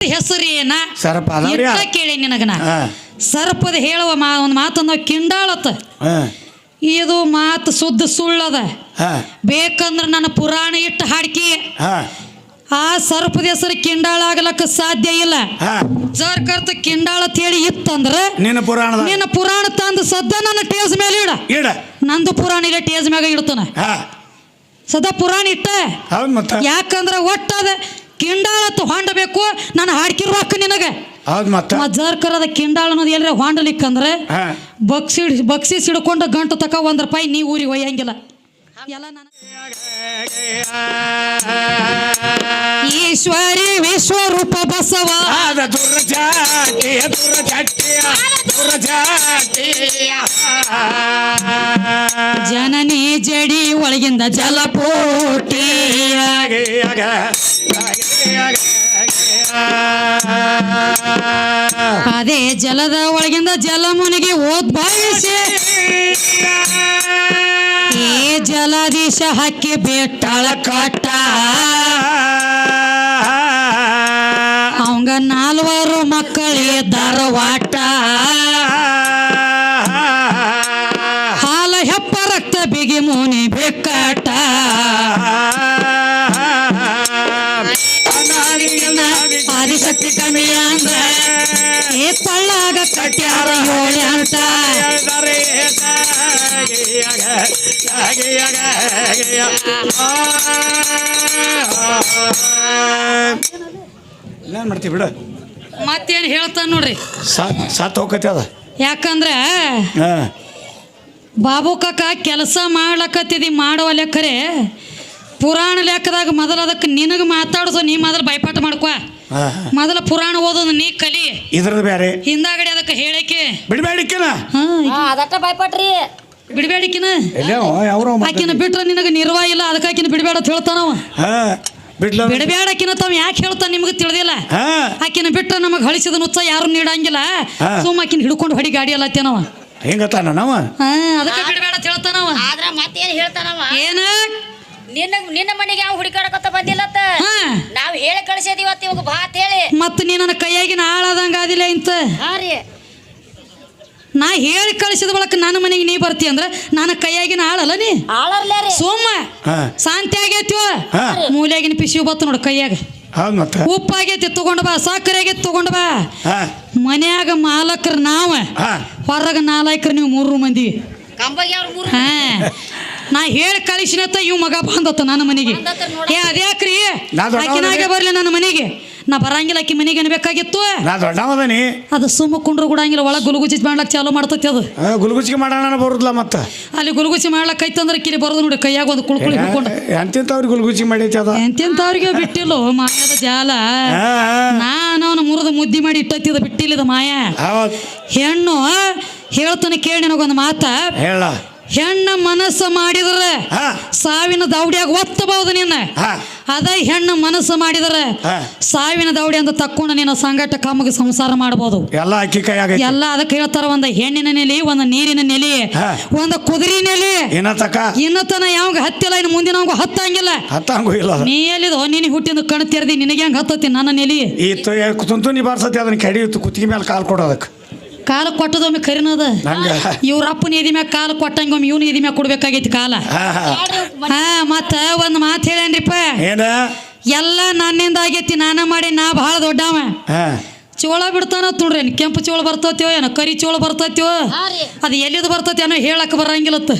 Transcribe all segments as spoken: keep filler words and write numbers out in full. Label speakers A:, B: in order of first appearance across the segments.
A: ಹೆಸರು ಏನ
B: ಸರ್ಪ
A: ಕೇಳಿ ನಿನಗನ ಸರ್ಪದ ಹೇಳುವ ಮಾ ಒಂದು ಮಾತನ್ನ ಕಿಂಡಾಳತ್ತ ಇದು ಮಾತು ಸುದ್ದ ಸುಳ್ಳದ ಬೇಕಂದ್ರೆ ನನ್ನ ಪುರಾಣ ಇಟ್ಟು ಹಾಡ್ಕಿ ಆ ಸರ್ಪದ ಹೆಸರು ಕಿಂಡಾಳ ಆಗ್ಲಕ್ಕ ಸಾಧ್ಯ ಇಲ್ಲ. ಜರ್ ಕರ್ತ ಕಿಂಡಾಳ ಹೇಳಿ ಇತ್ತಂದ್ರ
B: ನಿನ್ನ ಪುರಾಣ
A: ನಿನ್ನ ಪುರಾಣ ತಂದು ಸದ್ದ ನನ್ನ ಟೇಜ್ ಮೇಲೆ ಇಡ
B: ಇಡ
A: ನಂದು ಪುರಾಣ ಇಲ್ಲ ಟೇಜ್ ಮ್ಯಾಗ ಇಡ್ತಾನ ಸದಾ ಪುರಾಣ ಇಟ್ಟ. ಯಾಕಂದ್ರ ಒಟ್ಟದ ಕಿಂಡಾಳತ್ತು ಹೊಂಡಬೇಕು ನಾನು ಹಾಡ್ಕಿರ್ಬೇಕು ನಿನಗೆ. ಜರ್ಕರದ ಕಿಂಡಾಳ ಅನ್ನೋದು ಎಲ್ಲರ ಹೊಂಡಲಿಕ್ಕಂದ್ರೆ ಬಕ್ಸಿ ಬಕ್ಸಿ ಸಿಡ್ಕೊಂಡು ಗಂಟು ತಕ ಒಂದ್ ರೂಪಾಯಿ ನೀ ಊರಿಗೆ ಒಯ್ಯಂಗಿಲ್ಲ. ಎಲ್ಲ ಈಶ್ವರಿ ವಿಶ್ವರೂಪ ಬಸವ ಜನನಿ ಜಡಿ ಒಳಗಿಂದ ಜಲಪೋಟಿ ಅದೇ ಜಲದ ಒಳಗಿಂದ ಜಲಮುನಿಗೆ ಓದ್ ಬಾಯಿಸಿ ಏ ಜಲದೀಶ ಹಕ್ಕಿ ಬೇಟಾಳ ಕಟ್ಟ ಅವಂಗ ನಾಲ್ವರು ಮಕ್ಕಳಿಗೆ ಧಾರವಾಟ ಹಾಲ ಹೆಪ್ಪ ರಕ್ತ ಬಿಗಿ ಮುನಿ ಬೆಕ್ಕಟ ಆದಿಶಕ್ತಿ ಕಮ್ಮಿ ಅಂದ್ರ ಏ ಪಳ್ಳಾಗ ಕಟ್ಯಾರ ಏಳೆ ಅಂತ
B: ಏನ್ ಮಾಡ್ತೀವಿ ಬಿಡ
A: ಮತ್ತೇನು ಹೇಳ್ತಾನ ನೋಡ್ರಿ
B: ಸಾತ್ ಹೋಗತ್ತೆ ಅದ.
A: ಯಾಕಂದ್ರೆ ಬಾಬು ಕಾಕ ಕೆಲಸ ಮಾಡ್ಲಕತ್ತಿದಿ ಮಾಡುವ ಲೆಕ್ಕರೆ ಪುರಾಣ ಲೆಕ್ಕದಾಗ ಮೊದಲ ಅದಕ್ಕೆ ನಿನಗೆ ಮಾತಾಡ್ಸೋ ನೀ ಮೊದಲು ಬೈಪಾಠ ಮಾಡ್ಕೊ. ಮೊದಲ ಪುರಾಣ ಓದೋದು ನೀ ಕಲಿ
B: ಇದ್ರದ್ದು ಬೇರೆ
A: ಹಿಂದಾಗಡೆ ಅದಕ್ಕೆ ಹೇಳಕ್ಕೆ
B: ಬಿಡಬೇಡಿಕಿನ
C: ಅದಟ್ಟ ಬೈಪಾಟ್ರಿ
A: ಬಿಡಬೇಡಿಕಿನ ಆಕಿನ ಬಿಟ್ರೆ ನಿನಗೆ ನಿರ್ವಾಹ ಇಲ್ಲ ಅದಕ್ಕೆ ಆಕಿನ ಬಿಡಬೇಡ ಅಂತ ಹೇಳ್ತಾನವ. ಬಿಡಬೇಡಕಿನ ತಾವ್ ಯಾಕೆ ಹೇಳ್ತಾನ ನಿಮ್ಗೆ ತಿಳಿದಿಲ್ಲ. ಆಕಿನ ಬಿಟ್ರೆ ನಮಗೆ ಹಳಿಸಿದ ನುಚ್ಚ ಯಾರು ನೀಡಂಗಿಲ್ಲ. ಸುಮ್ಮ ಆಕಿನ ಹಿಡ್ಕೊಂಡು ಹೊಡಿ ಗಾಡಿ ಎಲ್ಲ ಅತ್ತೇನವ
B: ಹೆಂಗತಾನ ನಾವ
A: ಅದಕ್ಕೆ ಬಿಡಬೇಡ ಅಂತ ಹೇಳ್ತಾನವ.
C: ಆದ್ರ ಮತ್ತೇನ್ ಹೇಳ್ತಾನವ
A: ಏನ
C: ನಿನ್ನ ನಿನ್ನ ಮನೆಗೆ ಅವ್ನು ಹುಡುಕಾಡಕತ್ತ ಬಂದಿಲ್ಲತ್ತ ನಾವ್ ಹೇಳಿ ಕಳಿಸಿದೀವತ್ತ ಇವಾಗ ಬಾತ್ ಹೇಳಿ
A: ಮತ್ತ ನೀ ನನ್ನ ಕೈಯಾಗಿನ ಆಳಾದಂಗ ಆದಿಲ್ಲ ಇಂತ ನಾ ಹೇಳಿ ಕಳಿಸಿದ ಬಳಕ ನನ್ನ ಮನೆಗೆ ನೀ ಬರ್ತಿ ಅಂದ್ರ ನನ್ನ ಕೈಯಾಗಿನ ಆಳಲ್ಲ ನೀ ಸೋಮ ಶಾಂತಿ ಆಗೈತಿವ ಮೂಲೆಯಾಗಿನ ಪಿಸಿವು ಬತ್ತು ನೋಡು ಕೈಯಾಗ ಉಪ್ಪಾಗೈತಿ ತಗೊಂಡ್ ಬಾ ಸಕ್ಕರೆ ಆಗೈತಿ ತಗೊಂಡ್ ಬಾ. ಮನ್ಯಾಗ ಮಾಲಕರ ನಾವ ಹೊರಗ ನಾಲ್ಕರು ನೀವು ಮೂರು ಮಂದಿ ಹಾ ನಾ ಹೇಳಿ ಕಳಿಸಿನತ್ತ ಇವ್ ಮಗ ಬಂದತ್ತ ನನ್ನ ಮನೆಗೆ. ಏ ಅದ್ಯಾಕ್ರಿ ಆಕಿನಾಗೆ ಬರ್ಲಿ ನನ್ನ ಮನೆಗೆ ನಾ ಬರಂಗಿಲ್ಲ ಆಕಿ ಮನೆಗೆ ಅನ್ಬೇಕಾಗಿತ್ತು. ಅದು ಸುಮ್ಮ ಕುಂಡ್ರು ಕೂಡಂಗಿಲ್ಲ ಒಳಗೆ ಗುಲುಗುಚಿ ಮಾಡ್ಲಕ್ ಚಾಲು ಮಾಡ್ತತಿ ಅದು
B: ಗುಲುಗುಚಿಗೆ ಮಾಡೋಣ ಬರುದಿಲ್ಲ ಮತ್ತ ಅಲ್ಲಿ
A: ಗುಲುಗುಚಿ ಮಾಡ್ಲಕ್ ಐತಂದ್ರೆ ಕಿಲಿ ಬರೋದು ನೋಡಿ ಕೈಯಾಗ ಒಂದು ಕುಳ್ಕುಳಿ ಹಿಡ್ಕೊಂಡು
B: ಎಂತೆಂತವ್ರಿಗೆ ಗುಲುಗುಚಿ ಮಾಡೈತಿ ಅದ
A: ಎಂತೆಂತವ್ರಿಗೆ ಬಿಟ್ಟಿಲ್ಲ ಮಾಯದ ಜಾಲ. ನಾನು ಅವನು ಮುರಿದು ಮುದ್ದಿ ಮಾಡಿ ಇಟ್ಟತ್ತಿದ ಬಿಟ್ಟಿಲ್ಲದ ಮಾಯ. ಹೆಣ್ಣು ಹೇಳ್ತಾನೆ ಕೇಳಿ ನನಗೊಂದು ಮಾತ
B: ಹೇಳ
A: ಹೆಣ್ಣ ಮನಸ್ಸು ಮಾಡಿದ್ರೆ ಸಾವಿನ ದೌಡಿಯಾಗ ಒತ್ತಬಹುದು ನಿನ್ನ. ಅದ ಹೆಣ್ಣು ಮನಸ್ಸು ಮಾಡಿದ್ರೆ ಸಾವಿನ ದೌಡಿ ಅಂತ ತಕ್ಕೊಂಡು ನಿನ್ನ ಸಂಗಟ ಕಮ್ಮಗೆ ಸಂಸಾರ ಮಾಡಬಹುದು.
B: ಎಲ್ಲ ಅಕ್ಕಿ ಕೈಯಾಗ
A: ಎಲ್ಲ ಅದಕ್ಕೆ ಹೇಳ್ತಾರ ಒಂದ ಹೆಣ್ಣಿನ ನೆಲೆ ಒಂದ ನೀರಿನ ನೆಲೆ ಒಂದ ಕುದುರೆ ನೆಲೆ ಇನ್ನತನ ಯಾವಾಗ ಹತ್ತಿಲ್ಲ ಇನ್ನು ಮುಂದಿನ ಹತ್ತಂಗಿಲ್ಲ
B: ಹತ್ತಂಗೂ ಇಲ್ಲ.
A: ನೀ ಎಲ್ಲಿದೋ ನೀನು ಹುಟ್ಟಿಂದ ಕಣ್ ತೆರೆದಿ ನಿನಗೆ ಹೆಂಗ್ ಹತ್ತತಿ ನನ್ನ ನೆಲೆ
B: ಈ ತುಂತುನಿ ಬಾರ್ಸತಿ ಅದನ್ನ ಕೆಡಿಯುತ್ತು ಕುತ್ತಿಗೆ ಮೇಲೆ ಕಾಲು ಕೊಡೋದಕ್ಕೆ
A: ಕಾಲ ಕೊಟ್ಟದೊಮ್ಮೆ ಕರಿನದ ಇವ್ರ ಅಪ್ಪನ ಎದಿ ಮ್ಯಾಗ ಕಾಲ ಕೊಟ್ಟಂಗ ಒಮ್ಮೆ ಇವ್ನ ಎದಿ ಮ್ಯಾಗ ಕೊಡ್ಬೇಕಾಗೈತಿ ಕಾಲ. ಹಾ ಮತ್ತ ಒಂದ್ ಮಾತು ಹೇಳೇನ್ರಿಪ್ಪ ಎಲ್ಲ ನನ್ನಿಂದ ಆಗೈತಿ ನಾನ ಮಾಡಿ ನಾ ಬಹಳ ದೊಡ್ಡವ. ಚೋಳ ಬಿಡ್ತಾನ ನೋಡ್ರಿ ಕೆಂಪು ಚೋಳ ಬರ್ತೈತಿವೋ ಏನೋ ಕರಿ ಚೋಳ ಬರ್ತೈತಿವೋ ಅದು ಎಲ್ಲಿದು ಬರ್ತೈತಿ ಏನೋ ಹೇಳಕ್ ಬರಂಗಿಲ್ಲತ್ತ.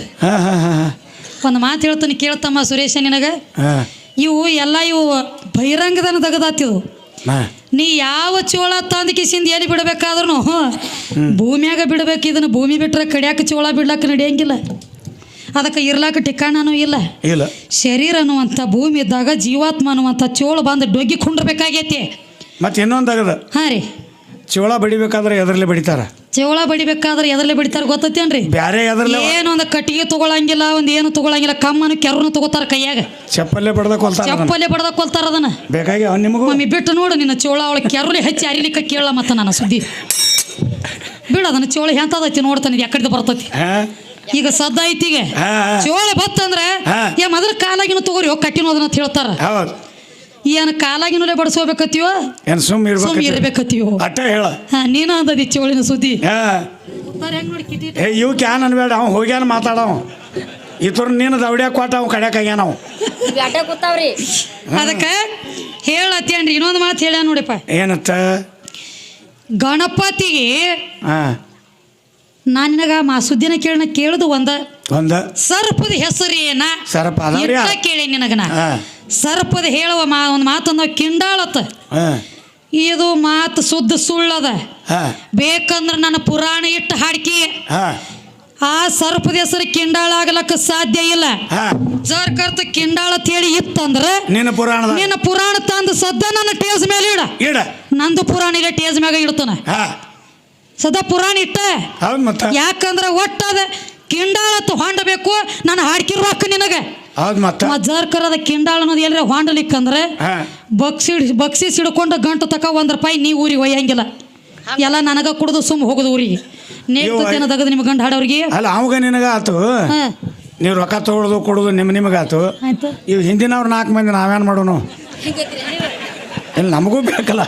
A: ಒಂದ್ ಮಾತು ಹೇಳ್ತಾನೆ ಕೇಳ್ತಮ್ಮ ಸುರೇಶ ನಿನಗ ಇವು ಎಲ್ಲ ಇವು ಬಹಿರಂಗದನ ತೆಗದಾತಿವು. ನೀ ಯಾವ ಚೋಳ ತಂದ ಕಿಸಿಂದ ಎಲ್ಲಿ ಬಿಡಬೇಕಾದ್ರೂ ಭೂಮಿಯಾಗ ಬಿಡಬೇಕು. ಇದನ್ನ ಭೂಮಿ ಬಿಟ್ರೆ ಕಡಿಯಾಕ ಚೋಳ ಬಿಡ್ಲಾಕ ನಡೆಯಂಗಿಲ್ಲ. ಅದಕ್ಕೆ ಇರ್ಲಾಕ ಠಿಕಾಣನೂ ಇಲ್ಲ. ಶರೀರ ಅನ್ನುವಂಥ ಭೂಮಿ ಇದ್ದಾಗ ಜೀವಾತ್ಮ ಅನ್ನುವಂಥ ಚೋಳ ಬಂದು ಡೊಗ್ಗಿ ಕುಂಡ್ರಬೇಕಾಗೈತಿ.
B: ಮತ್ತೆ ಇನ್ನೊಂದಾಗದ
A: ಹಾ ರೀ
B: ಚೋಳ ಬಡಿಬೇಕಾದ್ರೆ ಎದರ್ಲೆ ಬಡಿತಾರ
A: ಚೋಳ ಬಡಿಬೇಕಾದ್ರೆ ಎದರ್ಲೆ ಬಡಿತಾರ ಗೊತ್ತೇನ್ರಿ?
B: ಬ್ಯಾರೆ
A: ಏನು ಒಂದು ಕಟ್ಟಿಗೆ ತಗೊಳಂಗಿಲ್ಲ ಒಂದು ಏನು ತಗೊಳಂಗಿಲ್ಲ ಕಮ್ಮನು ಕೆರನು ತಗೋತಾರ ಕೈಯಾಗ
B: ಚಪ್ಪಲ್ಲೇ ಬಡ್ದ ಕೊಲ್ತಾರ
A: ಚಪ್ಪಲ್ಲೇ ಬಡ್ದ ಕೊಲ್ತಾರ ಅದನ್ನ
B: ಬೇಕಾಗಿ ನಿಮಗೂ
A: ಮಮ್ಮಿ ಬಿಟ್ಟು ನೋಡು ನಿನ್ನ ಚೋಳ ಅವಳ ಕೆರಲಿ ಹಚ್ಚಿ ಅರಿಲಿಕ್ಕ ಕೇಳ ಮತ್ತ ನನ್ನ ಸುದ್ದಿ ಬಿಡ ಅದನ್ನ ಚೋಳ ಎಂತದೈತಿ ನೋಡ್ತಾನೆ ಯಾಕಡೆ ಬರ್ತೈತಿ. ಈಗ ಸದ್ದ ಐತಿಗೆ ಚೋಳ ಬತ್ತಂದ್ರೆ ಏ ಮೊದಲ ಕಾಲಾಗಿನ ತಗೋರಿ ಹೋಗಿ ಕಟ್ಟಿನೋದನ್ನ ಹೇಳ್ತಾರ. ಏನು ಕಾಲಾಗಿನೂಲೆ ಬಡಿಸ್ಕೋಬೇಕತ್ತೀವೋ
B: ಏನ್ ಸುಮ್
A: ಸುಮ್
B: ಇರ್ಬೇಕು
A: ಇರ್ಬೇಕತ್ತೀವೋ
B: ಅಟ್ಟ ಹೇಳ
A: ಹಾ ನೀನು ಅಂದದಿ ಚೋಳಿನ ಸುದ್ದಿ
B: ಹಾ
A: ಹೆಂಗ್ ನೋಡಿ ಕಿಟಿ
B: ಏ ಇವ್ ಕ್ಯಾನ್ ಅನ್ಬೇಡ ಅವ್ ಹೋಗ್ಯಾನ ಮಾತಾಡವ ಇತರ ನೀನು ದೌಡ್ಯಾಕ ಕೊಟ್ಟ ಅವ್ ಕಡ್ಯಾಕ ಆಗ್ಯಾನ ಅವ್
C: ಇವ್ ಅಡ್ಡ ಕೂತಾವ್ರಿ
A: ಅದಕ್ಕೆ ಹೇಳತ್ತೇನ್ರಿ ಇನ್ನೊಂದು ಮಾತು ಹೇಳ್ಯ ನೋಡಿಪ್ಪ
B: ಏನತ್ತ
A: ಗಣಪತಿಗೆ
B: ಹಾ
A: ನಾನು ನಿನಗ ಮಾ ಸುದ್ದಿನ ಕೇಳನ ಕೇಳುದು ಒಂದ
B: ಒಂದ
A: ಸರ್ಪದ ಹೆಸರು ಏನ
B: ಸರ್ಪ ಅದಾವ್ರಿ
A: ಇಟ್ಟ ಕೇಳಿ ನಿನಗನ
B: ಹಾ
A: ಸರ್ಪದ ಹೇಳುವ ಮಾ ಒಂದು ಮಾತಂದ ಕಿಂಡಾಳತ್ತ
B: ಹಾ
A: ಇದು ಮಾತು ಸುದ್ದ ಸುಳ್ಳದ
B: ಹಾ
A: ಬೇಕಂದ್ರ ನನ್ನ ಪುರಾಣ ಇಟ್ಟು ಹಾಡ್ಕಿ
B: ಹಾ
A: ಆ ಸರ್ಪದ ಹೆಸರು ಕಿಂಡಾಳ ಆಗ್ಲಕ್ಕ ಸಾಧ್ಯ ಇಲ್ಲ
B: ಹಾ
A: ಜರ್ ಕರ್ತ ಕಿಂಡಾಳ ತೇಳಿ ಇತ್ತಂದ್ರ
B: ನಿನ್ನ ಪುರಾಣದ
A: ನಿನ್ನ ಪುರಾಣ ತಂದು ಸದ್ದ ನನ್ನ ಟೇಜ್ ಮೇಲೆ ಇಡ
B: ಇಡ
A: ನಂದು ಪುರಾಣ ಇಲ್ಲ ಟೇಜ್ ಮ್ಯಾಗ ಇಡ್ತಾನ
B: ಹಾ
A: ಸದಾ ಪುರಾಣ ಇಟ್ಟ
B: ಹೌದ್ ಮತ್ತ
A: ಯಾಕಂದ್ರ ಒಟ್ಟದ ಕಿಂಡಾಳತ್ತು ಹೊಂಡಬೇಕು ನಾನು ಹಾಡ್ಕಿರ್ಬೇಕು ನಿನಗ
B: ಹೌದ್ ಮತ್ತ
A: ಜರ್ಕರದ ಕಿಂಡಾಳ ಅನ್ನೋದು ಎಲ್ಲರ ಹೊಂಡಲಿಕ್ಕಂದ್ರೆ
B: ಹಾ
A: ಬಕ್ಸಿ ಬಕ್ಸಿ ಸಿಡ್ಕೊಂಡು ಗಂಟು ತಕ ಒಂದ್ ರೂಪಾಯಿ ನೀ ಊರಿಗೆ ಒಯ್ಯಂಗಿಲ್ಲ ಎಲ್ಲ ನನಗ ಕುಡ್ದು ಸುಮ್ಮ ಹೋಗುದು ಊರಿಗೆ ನೇಗ್ತೇನ ತಗದು ನಿಮ್ಮ ಗಂಡ ಹಾಡೋರಿಗೆ
B: ಅಲ್ಲ ಅವಾಗ ನಿನಗ ಆತು
A: ಹಾ
B: ನೀವು ರೊಕ್ಕ ತಗೊಳ್ಳೋದು ಕೊಡೋದು ನಿಮ್ ನಿಮಗಾತು
A: ಆಯ್ತು
B: ಇವ್ ಹಿಂದಿನವ್ರು ನಾಲ್ಕು ಮಂದಿ ನಾವೇನ್ ಮಾಡೋನು ಇಲ್ಲಿ ನಮಗೂ ಬೇಕಲ್ಲ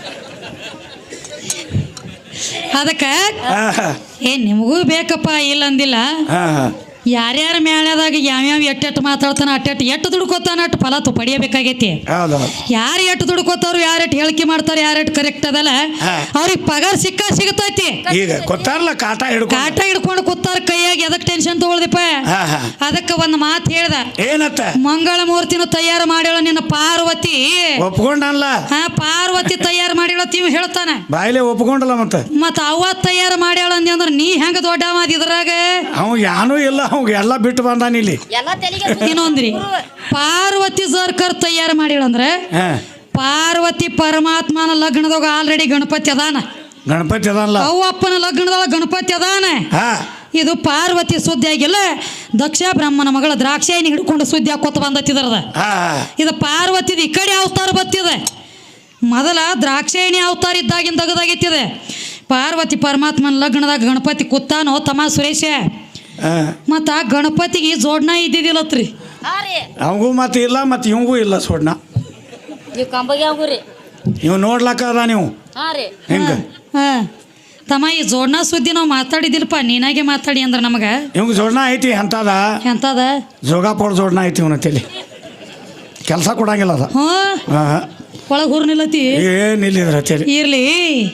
A: ಅದಕ್ಕೆ
B: ಹಾ ಹಾ
A: ಏ ನಿಮಗೂ ಬೇಕಪ್ಪ ಇಲ್ಲ ಅಂದಿಲ್ಲ
B: ಹಾ ಹಾ
A: ಯಾರ್ಯಾರ ಮ್ಯಾಳ್ಯಾದಾಗ ಯಾವ್ಯಾವ ಎಟ್ಟೆಟ್ಟು ಮಾತಾಡ್ತಾನ ಅಟ್ಟೆಟ್ಟು ಎಟ್ಟು ದುಡ್ಕೋತಾನ ಅಟ್ಟು ಫಲ ತು ಪಡಿಯಬೇಕಾಗೈತಿ
B: ಹೌದು
A: ಯಾರು ಎಟ್ಟು ದುಡ್ಕೋತಾರು ಯಾರೆಟ್ಟು ಹೇಳಿಕೆ ಮಾಡ್ತಾರೆ ಯಾರೆಟ್ಟು ಕರೆಕ್ಟ್ ಅದಲ್ಲ
B: ಹಾ.
A: ಅವ್ರಿಗೆ ಪಗಾರ ಸಿಕ್ಕ ಸಿಗತೈತಿ
B: ಈಗ ಗೊತ್ತಾರಲ್ಲ ಕಾಟ ಹಿಡ್ಕೊ
A: ಕಾಟ ಹಿಡ್ಕೊಂಡು ಕೂತಾರ ಕೈಯಾಗ ಎದಕ್ ಟೆನ್ಷನ್ ತಗೊಳ್ದಿಪ್ಪ
B: ಹಾ ಹಾ
A: ಅದಕ್ಕೆ ಒಂದು ಮಾತು ಹೇಳ್ದ
B: ಏನತ್ತ
A: ಮಂಗಳ ಮೂರ್ತಿನ ತಯಾರು ಮಾಡ್ಯಾಳ ನಿನ್ನ ಪಾರ್ವತಿ
B: ಒಪ್ಕೊಂಡಲ್ಲ
A: ಹಾ ಪಾರ್ವತಿ ತಯಾರು ಮಾಡ್ಯಾಳ ತಿವ್ ಹೇಳ್ತಾನ
B: ಬಾಯಿಲೆ ಒಪ್ಕೊಂಡಲ್ಲ ಮತ್ತ
A: ಮತ್ತ ಅವ್ವ ತಯಾರು ಮಾಡ್ಯಾಳ ಅಂದಿ ಅಂದ್ರ ನೀ ಹೆಂಗ ದೊಡ್ಡ ಮಾತು ಇದ್ರಾಗ
B: ಅವ್ ಯಾನೂ ಇಲ್ಲ ಅವ್ ಎಲ್ಲ ಬಿಟ್ಟು ಬಂದಾನ ಇಲ್ಲಿ
C: ಎಲ್ಲ ತೆಲಿಗೆ
A: ಇನ್ನೊಂದ್ರಿ ಪಾರ್ವತಿ ಸರ್ಕರ್ ತಯಾರು ಮಾಡ್ಯಾಳ ಅಂದ್ರೆ
B: ಹಾ
A: ಪಾರ್ವತಿ ಪರಮಾತ್ಮನ ಲಗ್ನದಾಗ ಆಲ್ರೆಡಿ ಗಣಪತಿ ಅದಾನ
B: ಗಣಪತಿ ಅದಲ್ಲ
A: ಅವ್ವಪ್ಪನ ಲಗ್ನದೊಳಗ ಗಣಪತಿ ಅದಾನ
B: ಹಾ
A: ಇದು ಪಾರ್ವತಿ ಸುದ್ದಿ ಆಗಿಲ್ಲ ದಕ್ಷ ಬ್ರಹ್ಮನ ಮಗಳ ದ್ರಾಕ್ಷಾಯಿನಿ ಹಿಡ್ಕೊಂಡು ಸುದ್ದಿ ಹಾಕೋತ ಬಂದತ್ತಿದ್ರದ
B: ಹಾ
A: ಇದು ಪಾರ್ವತಿದ ಈ ಕಡೆ ಅವತಾರ ಬತ್ತಿದೆ ಮೊದಲ ದ್ರಾಕ್ಷಾಯಿಣಿ ಅವತಾರ ಇದ್ದಾಗಿನ ತೆಗೆದಾಗಿತ್ತಿದೆ ಪಾರ್ವತಿ ಪರಮಾತ್ಮನ ಲಗ್ನದಾಗ ಗಣಪತಿ ಕೂತಾನೋ ತಮ್ಮ ಸುರೇಶ
B: ಹಾ
A: ಮತ್ತು ಆ ಗಣಪತಿಗೆ ಜೋಡ್ನ ಇದ್ದಿದ್ದಿಲ್ಲತ್ರಿ
C: ಹಾ ರೀ
B: ಅವಂಗೂ ಮತ್ತೆ ಇಲ್ಲ ಮತ್ತೆ ಇವಂಗೂ ಇಲ್ಲ ಸೋಡ್ನ
C: ನೀವು ಕಂಬಗೆ ಹೋಗ್ರಿ
B: ಇವ್ ನೋಡ್ಲಕ್ಕ ಅದ ನೀವು
C: ಹಾ ರೀ
B: ಹಿಂಗ
A: ಹಾಂ ತಮ್ಮ ಈ ಜೋಡ್ನ ಸುದ್ದಿ ನಾವು ಮಾತಾಡಿದಿಲ್ಲಪ್ಪ ನೀನಾಗೆ ಮಾತಾಡಿ ಅಂದ್ರೆ ನಮಗೆ
B: ಇವಂಗ ಜೋಡ್ನ ಐತಿ ಎಂತದ
A: ಎಂತದ
B: ಜೋಗಾಪೋಡ್ ಜೋಡ್ನ ಐತಿ ಇವನ ತಲಿ ಕೆಲಸ ಕೊಡಂಗಿಲ್ಲ ಅದ
A: ಹ್ಞೂ
B: ಹಾ
A: ಒಳಗೆ ಹೂರ್ ನಿಲ್ಲತಿ
B: ಏನಿಲ್ಲಿದ್ರ ತಲಿ
A: ಇರ್ಲಿ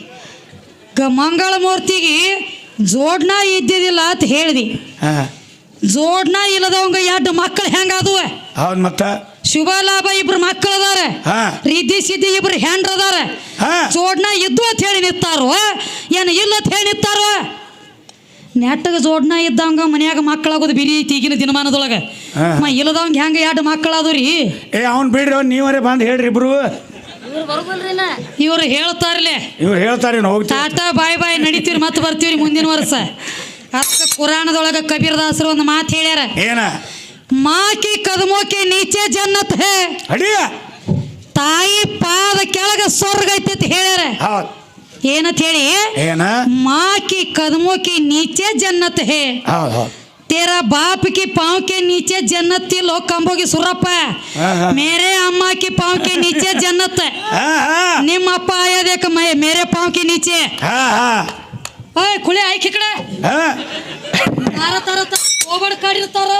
A: ಗ ಮಂಗಳ ಮೂರ್ತಿಗೆ ಜೋಡ್ನ ಇದ್ದಿದ್ದಿಲ್ಲ ಅಂತ ಹೇಳ್ದಿ
B: ಹಾ
A: ಜೋಡ್ನ ಇಲ್ಲದವಂಗ ಎರಡು ಮಕ್ಕಳು ಹೆಂಗಾದುವ
B: ಹೌದ್ ಮತ್ತ
A: ಶುಭ ಲಾಭ ಇಬ್ರು ಮಕ್ಕಳು ಅದಾರ
B: ಹಾ
A: ರಿದ್ದಿ ಸಿದ್ದಿ ಇಬ್ರು ಹೆಂಡ್ರ ಅದಾರ
B: ಹಾ
A: ಜೋಡ್ನ ಇದ್ದು ಅಂತ ಹೇಳಿ ನಿಂತಾರೋ ಏನು ಇಲ್ಲ ಅಂತ ಹೇಳಿ ನಿಂತಾರೋ ನೆಟ್ಟಗೆ ಜೋಡ್ನ ಇದ್ದಂಗ ಮನ್ಯಾಗ ಮಕ್ಕಳಾಗೋದು ಬಿರಿ ಐತಿ ಈಗಿನ ದಿನಮಾನದೊಳಗೆ
B: ಹಾ.
A: ಮ ಇಲ್ಲದವಂಗ ಹೆಂಗ ಎರಡು ಮಕ್ಕಳಾದು ರೀ
B: ಏ ಅವ್ನ್ ಬಿಡ್ರಿ ಅವ್ನ್ ನೀವರೇ ಬಂದ್ ಹೇಳ್ರಿ ಇಬ್ರು
C: ಇವ್ರು ಬರುದಿಲ್ರಿ ನಾ
A: ಇವ್ರು ಹೇಳ್ತಾರಲೆ
B: ಇವ್ರು ಹೇಳ್ತಾರೆ ಹೋಗ್ತಾ
A: ಟಾಟಾ ಬಾಯ್ ಬಾಯ್ ನಡಿತೀವ್ರಿ ಮತ್ತೆ ಬರ್ತೀವ್ರಿ ಮುಂದಿನ ವರ್ಷ ಅದಕ್ಕೆ ಪುರಾಣದೊಳಗೆ ಕಬೀರದಾಸರು ಒಂದು ಮಾತು ಹೇಳ್ಯಾರ
B: ಏನ
A: ಮಾಕಿ ಕದಮೋಕೆ ನೀಚೆ ಜನ್ನತ್ ಹೇ
B: ಅಡಿಯ
A: ತಾಯಿ ಪಾದ ಕೆಳಗ ಸ್ವರ್ಗ ಐತಿ ಅಂತ ಹೇಳ್ಯಾರ
B: ಹೌದ್
A: ಏನಂತ ಹೇಳಿ
B: ಏನ
A: ಮಾಕಿ ಕದಮೋಕೆ ನೀಚೆ ಜನ್ನತ್ ಹೇ
B: ಹೌದ್ ಹೌದ್
A: तेरा बाप की पाँव के नीचे जन्नत थी लोग कंबोगी सुरप है
B: हाँ, हाँ।
A: मेरे अम्मा की पाँव के नीचे जन्नत है
B: ಹಾ ಹಾ
A: निम अप्पा आया देख मैं मेरे पाँव के नीचे
B: ಹಾ ಹಾ
A: ओए खुले आई खिकड़े
B: ಹಾ
A: तार तार ओबड़ काಡಿರ್ತಾರ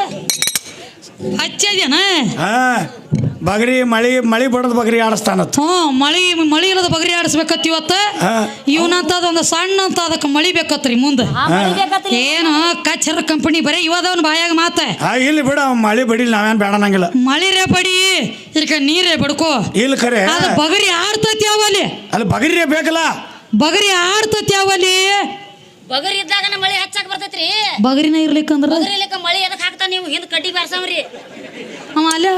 A: ಹಚ್ಚದೇನ
B: ಹಾ ಬಗರಿ ಮಳಿ ಮಳಿ ಬಡದ್ ಬಗರಿ ಆಡಿಸ್ತಾನತ್
A: ಹ್ಞೂ ಮಳಿ ಮಳಿ ಇಲ್ಲದ ಬಗರಿ ಆಡಿಸ್ಬೇಕತ್ ಇವತ್ತ
B: ಹಾ
A: ಇವನಂತದ ಒಂದು ಸಣ್ಣ ಅಂತ ಅದಕ್ಕೆ ಮಳಿ ಬೇಕತ್ರಿ ಮುಂದೆ
C: ಹಾ ಮಳಿ ಬೇಕತ್ರಿ
A: ಏನು ಕಚ್ಚರ ಕಂಪನಿ ಬರೀ ಇವದವನ್ ಬಾಯಾಗ ಮಾತ
B: ಹಾ ಇಲ್ಲಿ ಬಿಡ ಅವ್ನ್ ಮಳಿ ಬಡಿಲ್ ನಾವೇನ್ ಬೇಡನಂಗಿಲ್ಲ
A: ಮಳಿ ರೇ ಬಡಿ ಇದಕ್ಕೆ ನೀರೇ ಬಡ್ಕೋ
B: ಇಲ್ಲಿ ಖರೆ
A: ಅದು ಬಗರಿ ಆಡ್ತತಿ ಅವಲ್ಲಿ
B: ಅಲ್ಲಿ ಬಗರಿ ಬೇಕಲ್ಲ
A: ಬಗರಿ ಆಡ್ತತಿ ಅವಲ್ಲಿ
C: ಬಗರಿ ಇದ್ದಾಗ ಮಳಿ ಹಚ್ಚಾಕ ಬರ್ತೈತ್ರಿ
A: ಬಗರಿನ ಇರ್ಲಿಕ್ಕಂದ್ರ
C: ಬಗರಿ ಇಲ್ಲಕ ಮಳಿ ಎದಕ್ ಹಾಕ್ತಾ ನೀವು ಹಿಂದ್ ಕಡ್ಡಿ ಬಾರ್ಸವ್ರಿ
A: ಅವ ಅಲ್ಲೇ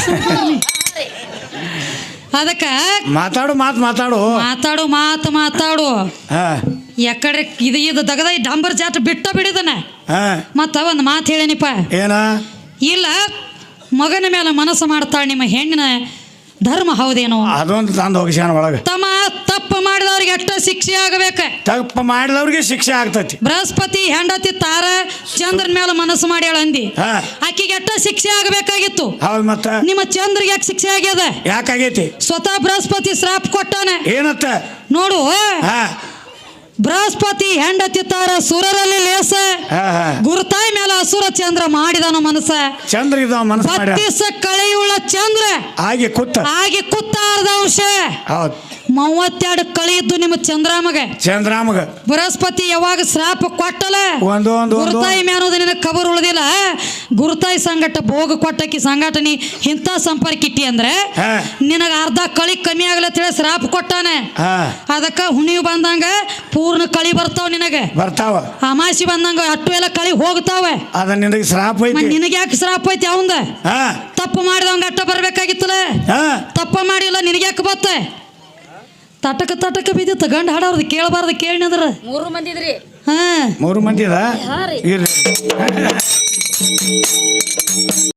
A: ಅದಕ್ಕ
B: ಮಾತಾಡು ಮಾತ್ ಮಾತಾಡು
A: ಮಾತಾಡು ಮಾತು ಮಾತಾಡು
B: ಹಾ
A: ಎಕಡೆ ಇದು ಇದು ದಗದ ಈ ಡಂಬರ್ ಜಾಟ್ ಬಿಟ್ಟ ಬಿಡಿದನ
B: ಹಾ
A: ಮತ್ತ ಒಂದು ಮಾತು ಹೇಳೇನಿಪ್ಪ
B: ಏನ
A: ಇಲ್ಲ ಮಗನ ಮೇಲೆ ಮನಸ್ಸು ಮಾಡ್ತಾಳೆ ನಿಮ್ಮ ಹೆಣ್ಣಿನ ಧರ್ಮ ಹೌದೇನೋ
B: ಅದೊಂದು ತಂದು ಹೋಗಿಸ್ಯಾನ ಒಳಗ
A: ತಮ್ಮ ತಪ್ಪು ಮಾಡಿದವ್ರು ಮಾಡಿದವ್ರಿಗೆ ಅಷ್ಟ ಶಿಕ್ಷೆ ಆಗಬೇಕ.
B: ತಪ್ಪು ಮಾಡಿದವ್ರಿಗೆ ಶಿಕ್ಷೆ ಆಗ್ತತಿ.
A: ಬೃಹಸ್ಪತಿ ಹೆಂಡತಿ ತಾರ ಚಂದ್ರನ ಮೇಲೆ ಮನಸ್ಸು ಮಾಡ್ಯಾಳ ಅಂದಿ,
B: ಹಾ
A: ಆಕಿಗೆ ಅಷ್ಟ ಶಿಕ್ಷೆ ಆಗಬೇಕಾಗಿತ್ತು.
B: ಹೌದ್ ಮತ್ತ
A: ನಿಮ್ಮ ಚಂದ್ರಿಗೆ ಯಾಕೆ ಶಿಕ್ಷೆ ಆಗ್ಯದ?
B: ಯಾಕಾಗೈತಿ?
A: ಸ್ವತಃ ಬೃಹಸ್ಪತಿ ಶ್ರಾಪ್ ಕೊಟ್ಟಾನ.
B: ಏನತ್ತ
A: ನೋಡು,
B: ಹಾ
A: ಬೃಹಸ್ಪತಿ ಹೆಂಡತಿ ತಾರ ಸುರರಲ್ಲಿ ಲೇಸ,
B: ಹಾ ಹಾ
A: ಗುರುತಾಯಿ ಮೇಲೆ ಅಸುರ ಚಂದ್ರ ಮಾಡಿದನು ಮನಸ್ಸ.
B: ಚಂದ್ರ ಇದಾವ ಮನಸ್ಸು ಮಾಡ್ಯಾನ.
A: ಬತ್ತಿಸ ಕಳೆಯುಳ್ಳ ಚಂದ್ರ
B: ಹಾಗೆ ಕೂತ
A: ಹಾಗೆ ಕುತ್ತಾರ್ದ ಅಂಶ.
B: ಹೌದ್
A: ಮೂವತ್ತೆರಡು ಕಳಿ ಇದ್ದು ನಿಮ್ಮ ಚಂದ್ರಾಮಗ.
B: ಚಂದ್ರಾಮಗ
A: ಬೃಹಸ್ಪತಿ ಯಾವಾಗ ಶ್ರಾಪ ಕೊಟ್ಟಲ
B: ಒಂದು ಒಂದು
A: ಗುರುತಾಯಿ ಮ್ಯಾನೋದು ನಿನಗೆ ಕಬರ್ ಉಳಿದಿಲ್ಲ. ಗುರುತಾಯಿ ಸಂಗಟ ಭೋಗ ಕೊಟ್ಟಕಿ ಸಂಗಟನಿ ಇಂಥ ಸಂಪರ್ಕ ಇಟ್ಟಿ ಅಂದ್ರೆ
B: ಹಾ
A: ನಿನಗ ಅರ್ಧ ಕಳಿ ಕಮ್ಮಿ ಆಗಲತ್ತೇಳಿ ಶ್ರಾಪ ಕೊಟ್ಟಾನೆ.
B: ಹಾ
A: ಅದಕ್ಕ ಹುಣಿವು ಬಂದಂಗ ಪೂರ್ಣ ಕಳಿ ಬರ್ತಾವ ನಿನಗೆ.
B: ಬರ್ತಾವ.
A: ಅಮಾಸಿ ಬಂದಂಗ ಅಟ್ಟು ಎಲ್ಲ ಕಳಿ ಹೋಗ್ತಾವ.
B: ಅದ ನಿನಗೆ ಶ್ರಾಪ ಐತಿ.
A: ನಿನಗೆ ಯಾಕೆ ಶ್ರಾಪ ಐತಿ? ಅವಂದ
B: ಹಾ
A: ತಪ್ಪು ಮಾಡಿದವಂಗ ಅಟ್ಟ ಬರ್ಬೇಕಾಗಿತ್ತಲ್ಲ.
B: ಹಾ
A: ತಪ್ಪ ಮಾಡಿಲ್ಲ, ನಿನಗೆ ಯಾಕೆ ಬತ್ತೆ? ತಟಕ ತಟಕ ಬಿದ್ದಿತ್ತು ಗಂಡ ಹಾಡೋರ್ದು ಕೇಳಬಾರ್ದು ಕೇಳಿನದ್ರ
C: ಮೂರು ಮಂದಿದ್ರಿ.
A: ಹಾ
B: ಮೂರು ಮಂದಿ ಅದ
C: ಹಾ ರೀ.
B: ಇರ್ರಿ